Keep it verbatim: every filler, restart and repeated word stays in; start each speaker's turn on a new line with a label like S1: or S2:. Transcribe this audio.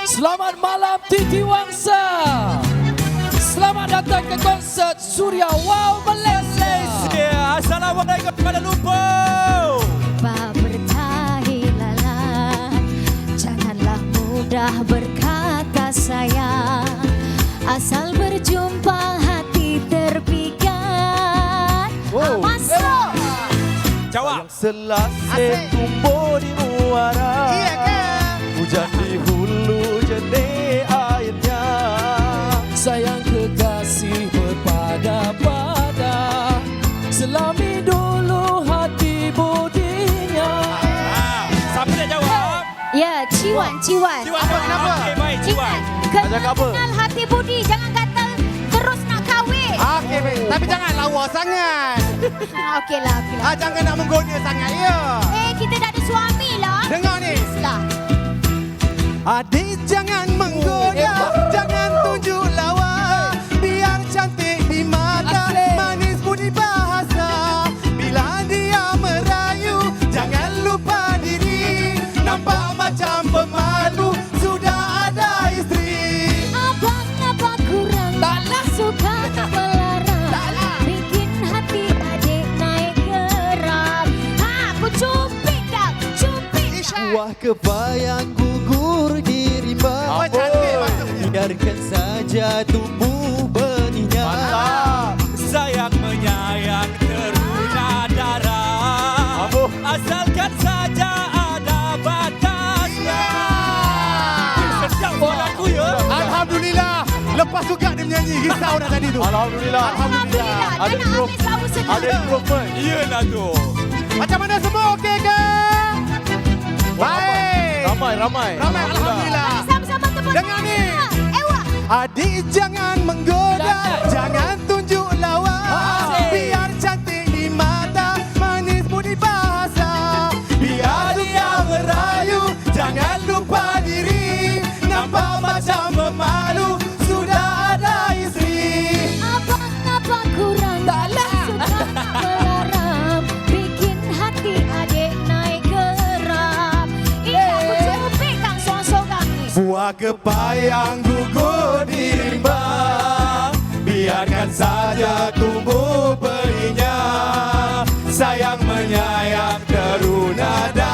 S1: Selamat malam Titi Wangsa. Selamat datang ke konsert Suria Wow Malaysia.
S2: Assalamualaikum Kuala Lumpur.
S3: Pak bertahilalah, janganlah mudah berkata sayang. Asal berjumpa hati terpikat.
S2: Wow.
S3: Masuk.
S2: Jawab.
S4: Selasih tumbuh di muara.
S2: Iya kan?
S4: Hujan di hulu jernih airnya.
S1: Sayang kekasih berpada-pada, selami dulu hati budinya.
S2: Ah, siapa nak jawab?
S3: Ya, Ciwan, Ciwan.
S2: Ciwan, apa kenapa? Okey, baik, Ciwan.
S4: Ajak apa?
S3: Kenal hati budi, jangan kata terus nak kahwin.
S5: Okey, baik. Tapi jangan lawa sangat.
S3: Okeylah, okeylah.
S5: Ah, jangan nak menggoda sangat, ya.
S3: Eh, kita dah ada suami lah.
S5: Dengar ni.
S3: Lah.
S5: Adik jangan menggoda, jangan tunjuk lawa. Biar cantik di mata, manis budi bahasa. Bila dia merayu, jangan lupa diri. Nampak macam pemalu, sudah ada isteri.
S3: Abang apa kurang?
S1: Taklah.
S3: Suka melarang. Bikin hati adik naik geram. Ha, aku cupik dah, cupik dah.
S4: Buah kebayang gugur di rimba.
S5: Oh, cantik maksudnya.
S4: Biarkan saja tumbuh benihnya.
S2: Mantap. Sayang menyayang teruna darah.
S4: Aduh.
S2: Asalkan saja ada batasnya. Sedap buat aku ya.
S5: Alhamdulillah. Lepas juga dia menyanyi, risau dah tadi tu.
S4: Alhamdulillah.
S3: Alhamdulillah.
S4: Ada
S3: Jangan
S4: improve.
S3: habis bau sedap.
S4: Ada improvement.
S2: Iyalah tu.
S5: Macam mana semua, okey ke? Baik.
S4: Ramai, ramai.
S5: Ramai, Alhamdulillah.
S3: Sama-sama tepuk
S5: Dengar ni.
S3: tangan. Ewa.
S5: Adik jangan menggoda, jangan tunjuk lawa. Biar cantik di mata, manis budi bahasa. Biar dia merayu, jangan lupa diri. Nampak macam pemalu, sudah ada isteri.
S3: Abang apa kurang?
S1: Taklah.
S3: Suka melarang. Bikin hati adik naik geram. Ini aku cupik kang sorang-sorang ni.
S5: Buah kepayang gugur di rimba. Biarkan saja tumbuh berinya. Sayang menyayang teruna